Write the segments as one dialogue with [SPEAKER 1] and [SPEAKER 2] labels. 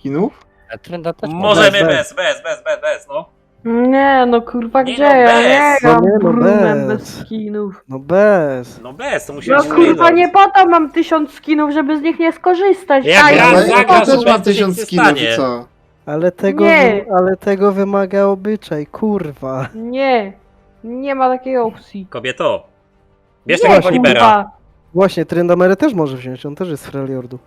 [SPEAKER 1] skinów?
[SPEAKER 2] Trenda też
[SPEAKER 3] Możemy
[SPEAKER 4] bez.
[SPEAKER 3] bez, no.
[SPEAKER 4] Nie, no kurwa,
[SPEAKER 3] Nie,
[SPEAKER 4] gdzie?
[SPEAKER 3] no
[SPEAKER 4] Ja
[SPEAKER 3] bez.
[SPEAKER 4] nie
[SPEAKER 3] No
[SPEAKER 4] gram
[SPEAKER 5] nie, no
[SPEAKER 4] Brunem
[SPEAKER 5] bez.
[SPEAKER 4] bez skinów.
[SPEAKER 5] No bez.
[SPEAKER 3] No bez, to musi
[SPEAKER 4] No
[SPEAKER 3] być
[SPEAKER 4] kurwa,
[SPEAKER 3] Freedom.
[SPEAKER 4] nie po to mam 1000 skinów, żeby z nich nie skorzystać.
[SPEAKER 3] Jak
[SPEAKER 4] Daj,
[SPEAKER 3] raz
[SPEAKER 1] Ale
[SPEAKER 4] no,
[SPEAKER 1] ja
[SPEAKER 3] zagrasz,
[SPEAKER 1] też
[SPEAKER 3] to
[SPEAKER 1] mam
[SPEAKER 3] nic się
[SPEAKER 1] 1000
[SPEAKER 3] nie
[SPEAKER 1] skinów
[SPEAKER 3] stanie.
[SPEAKER 1] i co?
[SPEAKER 4] Nie.
[SPEAKER 5] Ale tego wymaga obyczaj, kurwa.
[SPEAKER 4] Nie, nie ma takiej opcji.
[SPEAKER 3] Kobieto. Bierz
[SPEAKER 4] Nie,
[SPEAKER 3] tego Wolibera.
[SPEAKER 4] kurwa.
[SPEAKER 5] Właśnie, Tryndamery też może wziąć, on też jest z Freljordu.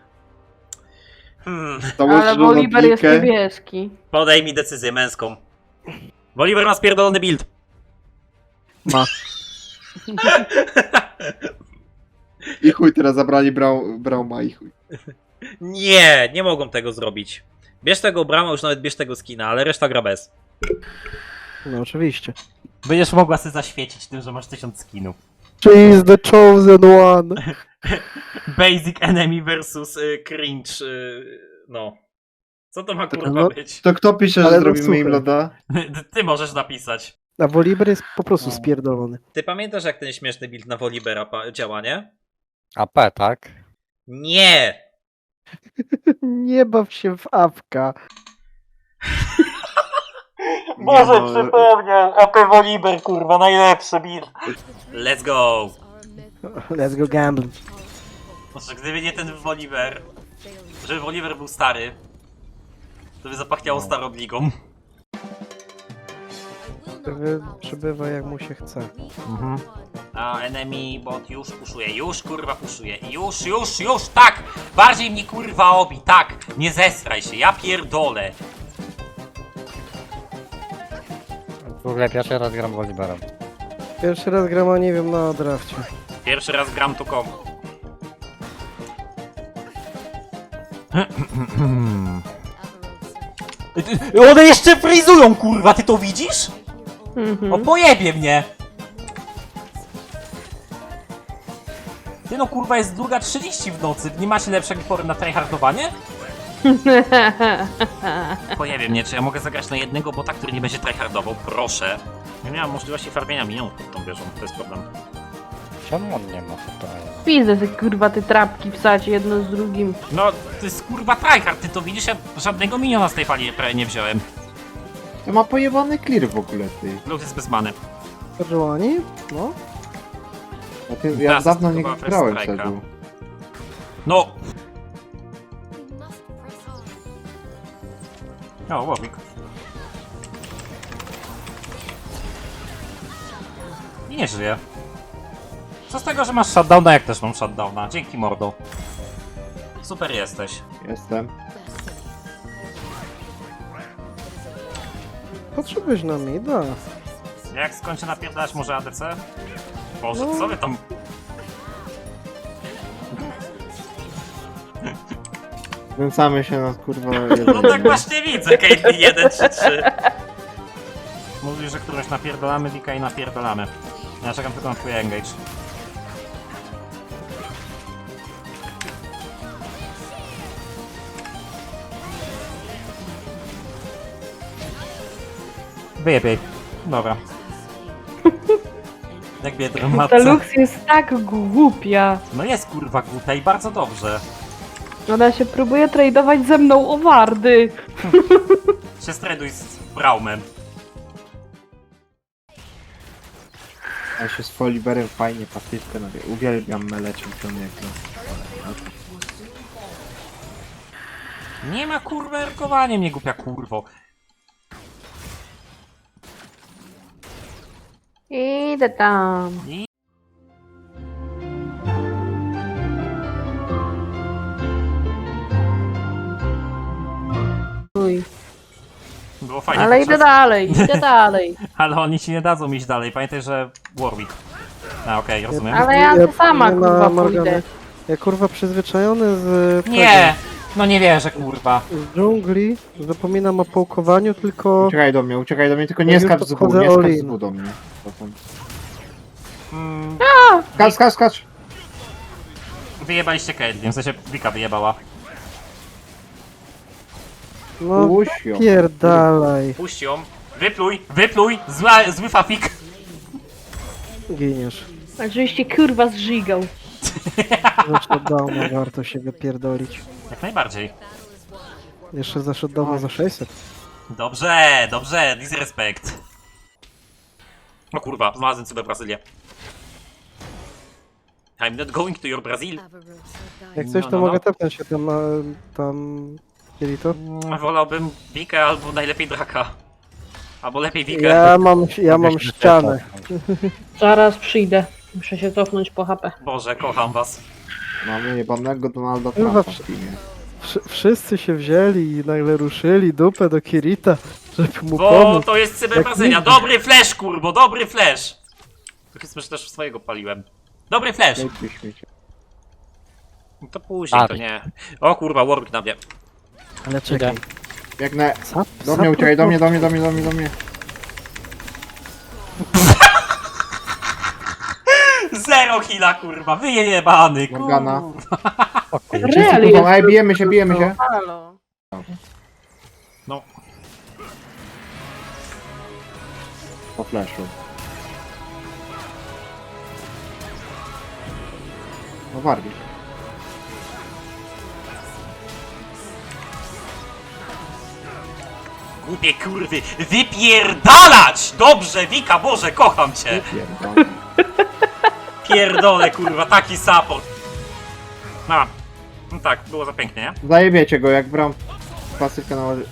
[SPEAKER 1] Założysz
[SPEAKER 4] Ale Woliber jest
[SPEAKER 1] lodnikę
[SPEAKER 4] niebieski.
[SPEAKER 3] Podej mi decyzję męską. Woliber ma spierdolony build.
[SPEAKER 5] Ma.
[SPEAKER 1] i chuj, teraz zabrali Brauma i chuj.
[SPEAKER 3] Nie, nie mogą tego zrobić. Bierz tego Brama, już nawet bierz tego skina, ale reszta gra bez.
[SPEAKER 5] No oczywiście.
[SPEAKER 3] Będziesz mogła sobie zaświecić tym, że masz 1000 skinów.
[SPEAKER 5] She is the chosen one.
[SPEAKER 3] Basic enemy versus cringe, no. Co to ma kurwa
[SPEAKER 5] No,
[SPEAKER 3] być?
[SPEAKER 1] To kto pisze,
[SPEAKER 5] Ale
[SPEAKER 1] że
[SPEAKER 5] no
[SPEAKER 1] zrobimy im
[SPEAKER 5] słuchaj.
[SPEAKER 1] loda?
[SPEAKER 3] Ty możesz napisać.
[SPEAKER 5] A Woliber jest po prostu
[SPEAKER 3] No.
[SPEAKER 5] spierdolony.
[SPEAKER 3] Ty pamiętasz jak ten śmieszny build na Wolibera działa, nie?
[SPEAKER 2] AP, tak?
[SPEAKER 3] Nie!
[SPEAKER 5] Nie baw się w awka.
[SPEAKER 3] Boże,
[SPEAKER 1] no,
[SPEAKER 3] przypomniał! AP Woliber, kurwa, najlepszy build. Let's go!
[SPEAKER 5] Let's go gambling.
[SPEAKER 3] Boże, gdyby nie ten Woliber, żeby Woliber był stary, to by zapachniało starą ligą.
[SPEAKER 5] Przybywa jak mu się chce.
[SPEAKER 3] A enemy bot już puszuje, już kurwa puszuje, już, tak! Bardziej mnie kurwa obi, tak! Nie zesraj się, ja pierdolę!
[SPEAKER 2] W ogóle pierwszy raz gram Woliberem.
[SPEAKER 5] Pierwszy raz gram, a nie wiem, na drafcie.
[SPEAKER 3] Pierwszy raz gram tu komu. One jeszcze frizują kurwa, ty to widzisz? O pojebie mnie! Ty no kurwa jest 2:30 w nocy, nie macie lepszego pory na tryhardowanie? Pojebie mnie, czy ja mogę zagrać na jednego bota, który nie będzie tryhardował? Proszę. Nie miałem możliwości farmienia minionów pod tą wieżą, to jest problem.
[SPEAKER 2] Czemu on nie ma tutaj?
[SPEAKER 4] Widzę te kurwa te trapki wsać jedno z drugim.
[SPEAKER 3] No, to jest kurwa tryhard, ty to widzisz? Ja żadnego miniona z tej fali prawie nie wziąłem.
[SPEAKER 1] To ma pojebany clear w ogóle, ty.
[SPEAKER 3] Lud jest bez many.
[SPEAKER 5] Perżuani? No.
[SPEAKER 1] A ty ja
[SPEAKER 3] Teraz
[SPEAKER 1] dawno nie
[SPEAKER 3] chyba first
[SPEAKER 1] grałem
[SPEAKER 3] strike'a.
[SPEAKER 1] Sedu.
[SPEAKER 3] No! O, łowik. I nie żyje. Co z tego, że masz shutdowna, jak też mam shutdowna? Dzięki mordo. Super jesteś.
[SPEAKER 1] Jestem.
[SPEAKER 5] Potrzebujesz na mida.
[SPEAKER 3] Jak skończę napierdalać może ADC? Boże,
[SPEAKER 5] No.
[SPEAKER 3] co wy tam...
[SPEAKER 1] Znęcamy się na kurwa
[SPEAKER 3] No tak właśnie widzę, Caitlyn 1-3-3. Mówisz, że którąś napierdalamy, Wika i napierdalamy. Ja czekam tylko na twój engage. Wyjebie. Dobra. Jak biedry
[SPEAKER 4] Ta
[SPEAKER 3] matce.
[SPEAKER 4] Lux jest tak głupia.
[SPEAKER 3] No jest kurwa głupia i bardzo dobrze.
[SPEAKER 4] Ona się próbuje tradować ze mną o wardy.
[SPEAKER 3] Się straduj z Braumem.
[SPEAKER 1] Ja się z Foliberem fajnie pasywkę nawie. Uwielbiam mele czempioniego.
[SPEAKER 3] Nie ma kurwa erkowania mnie głupia kurwo.
[SPEAKER 4] Idę tam.
[SPEAKER 3] I...
[SPEAKER 4] Uj.
[SPEAKER 3] Było fajnie.
[SPEAKER 4] Ale idę dalej, idę dalej.
[SPEAKER 3] Ale oni ci nie dadzą iść dalej. Pamiętaj, że Warwick. A okej, rozumiem.
[SPEAKER 4] Ale ja to sama
[SPEAKER 5] nie
[SPEAKER 4] kurwa
[SPEAKER 5] na Morganę.
[SPEAKER 4] pójdę.
[SPEAKER 5] Ja kurwa przyzwyczajony z...
[SPEAKER 3] Nie! No nie wierzę kurwa.
[SPEAKER 5] Z dżungli zapominam o połkowaniu, tylko...
[SPEAKER 1] Uciekaj do mnie, tylko nie
[SPEAKER 5] Jak już
[SPEAKER 1] skacz z W,
[SPEAKER 5] podchodzę
[SPEAKER 1] nie skacz
[SPEAKER 5] all
[SPEAKER 1] z
[SPEAKER 5] in.
[SPEAKER 1] W do mnie.
[SPEAKER 3] Mm,
[SPEAKER 1] Skacz!
[SPEAKER 3] wyjebaliście Caitlyn, w sensie Wika wyjebała.
[SPEAKER 5] No
[SPEAKER 1] Puść ją.
[SPEAKER 5] pierdalaj.
[SPEAKER 3] Puść ją. Wypluj! Zły fafik.
[SPEAKER 5] Giniesz.
[SPEAKER 4] Oczywiście kurwa zżigał.
[SPEAKER 5] Zresztą dawno warto się wypierdolić.
[SPEAKER 3] Jak najbardziej.
[SPEAKER 5] Jeszcze zaszedł do nas za 600.
[SPEAKER 3] Dobrze, dobrze, disrespect. O kurwa, znalazłem sobie Brazylię. I'm not going to your Brazil.
[SPEAKER 5] Jak coś, to
[SPEAKER 3] No.
[SPEAKER 5] mogę tepnąć się tam, tam... Kirito?
[SPEAKER 3] Wolałbym Wikę albo najlepiej Draka. Albo lepiej Wikę.
[SPEAKER 5] Ja mam
[SPEAKER 2] Mogę się
[SPEAKER 5] ścianę.
[SPEAKER 2] cofnąć.
[SPEAKER 4] Zaraz przyjdę. Muszę się cofnąć po HP.
[SPEAKER 3] Boże, kocham was.
[SPEAKER 1] Mamy jebanego Donalda
[SPEAKER 5] Kurwa,
[SPEAKER 1] Trumpa w teamie.
[SPEAKER 5] Wszyscy się wzięli i nagle ruszyli dupę do Kirita, żeby mu
[SPEAKER 3] Bo
[SPEAKER 5] pomóc.
[SPEAKER 3] to jest cyberbrazylia.
[SPEAKER 5] nigdy.
[SPEAKER 3] Dobry flash, kurbo, dobry flash. Powiedzmy, że też swojego paliłem. Dobry flash.
[SPEAKER 1] Dajcie śmiecie.
[SPEAKER 3] No to później, to
[SPEAKER 2] Ari.
[SPEAKER 3] nie. O kurwa, Warwick na mnie.
[SPEAKER 5] Ale czekaj.
[SPEAKER 1] Biegnę. Do mnie uciekaj, do mnie.
[SPEAKER 3] Zero heala, kurwa, wyjebany,
[SPEAKER 1] Morgana.
[SPEAKER 2] O kurwa.
[SPEAKER 4] Real
[SPEAKER 1] Kurwa,
[SPEAKER 4] jest.
[SPEAKER 1] ej, bijemy się.
[SPEAKER 6] Halo.
[SPEAKER 3] No,
[SPEAKER 1] Po flashu. No Warwick.
[SPEAKER 3] głupie kurwy, wypierdalać! Dobrze, Wika, Boże, kocham cię.
[SPEAKER 1] Pierdolę.
[SPEAKER 3] Pierdolę, kurwa, taki support. No tak, było za pięknie, nie?
[SPEAKER 1] Zajebiecie go, jak bram pasywkę nałoży.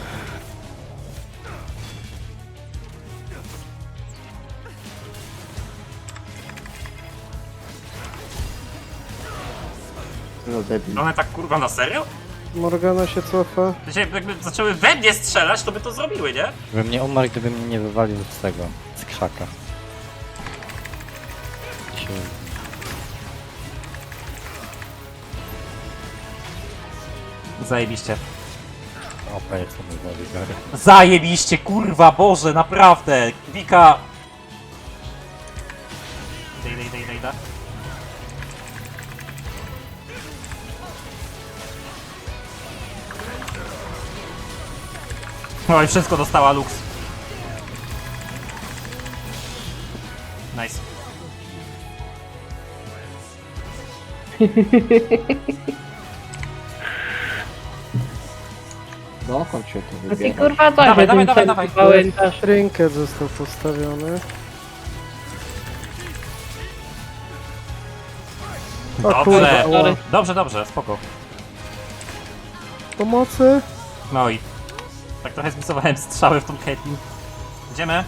[SPEAKER 1] Co za debil.
[SPEAKER 3] One tak, kurwa, na serio?
[SPEAKER 5] Morgana się cofa.
[SPEAKER 3] Jakby zaczęły we mnie strzelać, to by to zrobiły, nie?
[SPEAKER 2] Bym nie umarł, gdyby mnie nie wywalił z tego, z krzaka. Się...
[SPEAKER 3] Zajebiście.
[SPEAKER 2] OP jest to Woliber.
[SPEAKER 3] Zajebiście, kurwa, Boże, naprawdę. Wika. Idę. Oj, wszystko dostała Lux. Nice.
[SPEAKER 1] Dokąd się to
[SPEAKER 4] A ty
[SPEAKER 1] wybiera?
[SPEAKER 4] kurwa co
[SPEAKER 3] Dawaj,
[SPEAKER 4] się
[SPEAKER 3] dawaj,
[SPEAKER 4] tym
[SPEAKER 3] dawaj.
[SPEAKER 4] pamiętasz?
[SPEAKER 5] Trinket został postawiony. O kurwa,
[SPEAKER 3] Dobrze, dobrze, spoko.
[SPEAKER 5] pomocy?
[SPEAKER 3] No i tak trochę zmisowałem strzały w tą Caitlyn. Idziemy?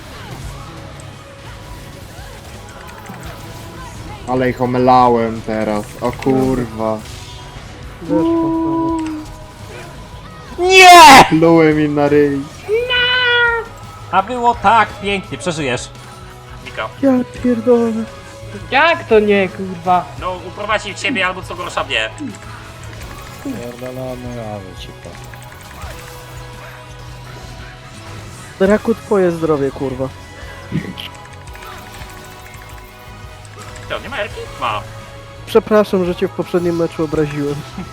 [SPEAKER 1] Ale ich omylałem teraz. O kurwa.
[SPEAKER 5] Weszło.
[SPEAKER 3] Nie!
[SPEAKER 1] Plułem im na ryj.
[SPEAKER 3] A było tak pięknie, przeżyjesz. Mika.
[SPEAKER 5] Ja pierdolę.
[SPEAKER 4] Jak to nie kurwa?
[SPEAKER 3] No, uprowadzi ciebie albo co gorsza mnie.
[SPEAKER 2] Pierdolony, ale cipo.
[SPEAKER 5] Draku, twoje zdrowie, kurwa.
[SPEAKER 3] To, nie ma Erki? Ma.
[SPEAKER 5] Przepraszam, że cię w poprzednim meczu obraziłem.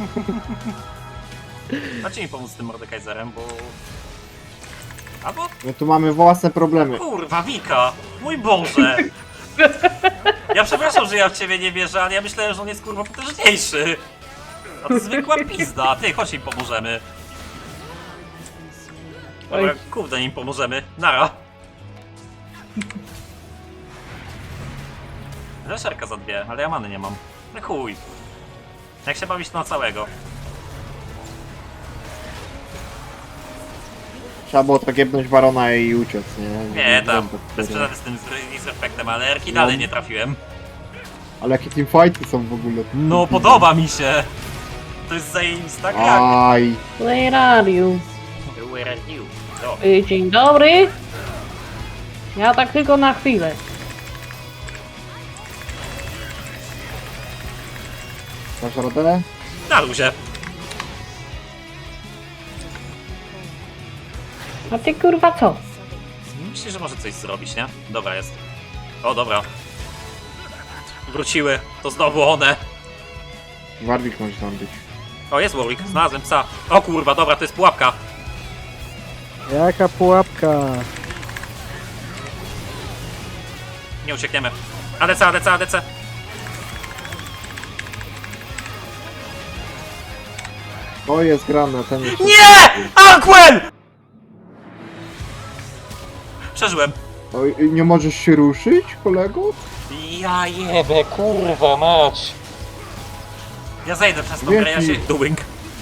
[SPEAKER 3] Dajcie mi pomóc z tym Mordekaiserem, bo... Albo...
[SPEAKER 1] My tu mamy własne problemy.
[SPEAKER 3] Kurwa, Wika! Mój Boże! Ja przepraszam, że ja w ciebie nie wierzę, ale ja myślałem, że on jest kurwa potężniejszy. A to zwykła pizda. Ty, chodź im pomożemy. Dobra, kurde, im pomożemy. Nara. Leszerka za dwie, ale ja many nie mam. No chuj. Jak się bawić to na całego?
[SPEAKER 1] Trzeba było tak jebnąć barona i uciec, nie?
[SPEAKER 3] Nie, tam.
[SPEAKER 1] Dobra,
[SPEAKER 3] Bez przesady z tym disrespectem, ale Erki dalej nie trafiłem.
[SPEAKER 1] Ale jakie teamfighty są w ogóle?
[SPEAKER 3] No, podoba mi się. To jest zajebista gra.
[SPEAKER 1] Aj.
[SPEAKER 4] Where are you?
[SPEAKER 3] Where are you? No.
[SPEAKER 4] Dzień dobry. Ja tak tylko na chwilę.
[SPEAKER 1] Masz radę?
[SPEAKER 3] Na luzie.
[SPEAKER 4] A ty kurwa co?
[SPEAKER 3] Myślę, że może coś zrobić, nie? Dobra, jest. O, dobra. Wróciły. To znowu one.
[SPEAKER 1] Warwick może tam być.
[SPEAKER 3] O, jest Warwick. Znalazłem psa. O kurwa, dobra, to jest pułapka.
[SPEAKER 5] Jaka pułapka?
[SPEAKER 3] Nie uciekniemy. ADC, ADC, ADC.
[SPEAKER 1] O, jest grane, ten jest...
[SPEAKER 3] Nie! Anquel! Przeżyłem.
[SPEAKER 1] Oj, nie możesz się ruszyć, kolego?
[SPEAKER 3] Ja jebę, kurwa mać. Ja zejdę przez tą grę, ja się... Doing.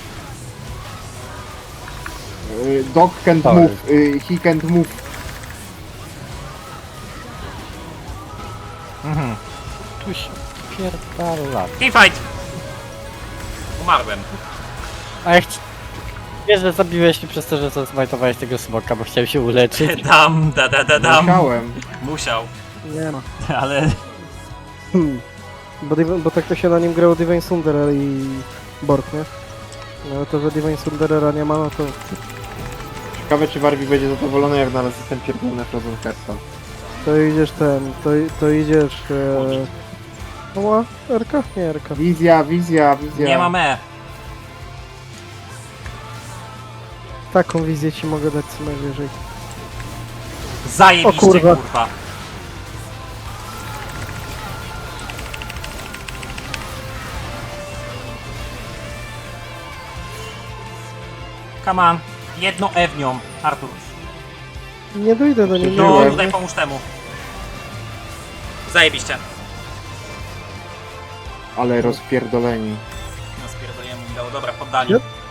[SPEAKER 1] Dog can't
[SPEAKER 2] Sorry.
[SPEAKER 1] move, he can't move.
[SPEAKER 2] Tu się pierdala.
[SPEAKER 3] Teamfight! Umarłem.
[SPEAKER 2] A jak ci... Wiesz, że zabiłeś mnie przez to, że zasmajtowałeś tego smoka, bo chciałem się uleczyć.
[SPEAKER 3] Dam, dam.
[SPEAKER 1] Musiałem.
[SPEAKER 3] Musiał.
[SPEAKER 5] Nie ma.
[SPEAKER 3] Ale...
[SPEAKER 5] Bo tak to się na nim grało Divine Sunderer i Bork, nie? No to, że Divine Sunderera nie ma, no to...
[SPEAKER 1] Ciekawe, czy Warwi będzie zadowolony, jak znalazł ten pierdolony Frozen Hearthstone.
[SPEAKER 5] To idziesz to idziesz... Oła, Erka? Nie, Erka.
[SPEAKER 1] Wizja.
[SPEAKER 3] Nie mam E.
[SPEAKER 5] Taką wizję ci mogę dać co najwyżej.
[SPEAKER 3] Zajebiście,
[SPEAKER 5] O kurwa.
[SPEAKER 3] kurwa. Come on. Jedno E w nią, Artur.
[SPEAKER 5] Nie dojdę do niej.
[SPEAKER 3] No,
[SPEAKER 1] Byłem.
[SPEAKER 3] tutaj pomóż temu. Zajebiście.
[SPEAKER 1] Ale rozpierdoleni.
[SPEAKER 3] No spierdolenie mu dało, dobra, poddanie.
[SPEAKER 5] Yep.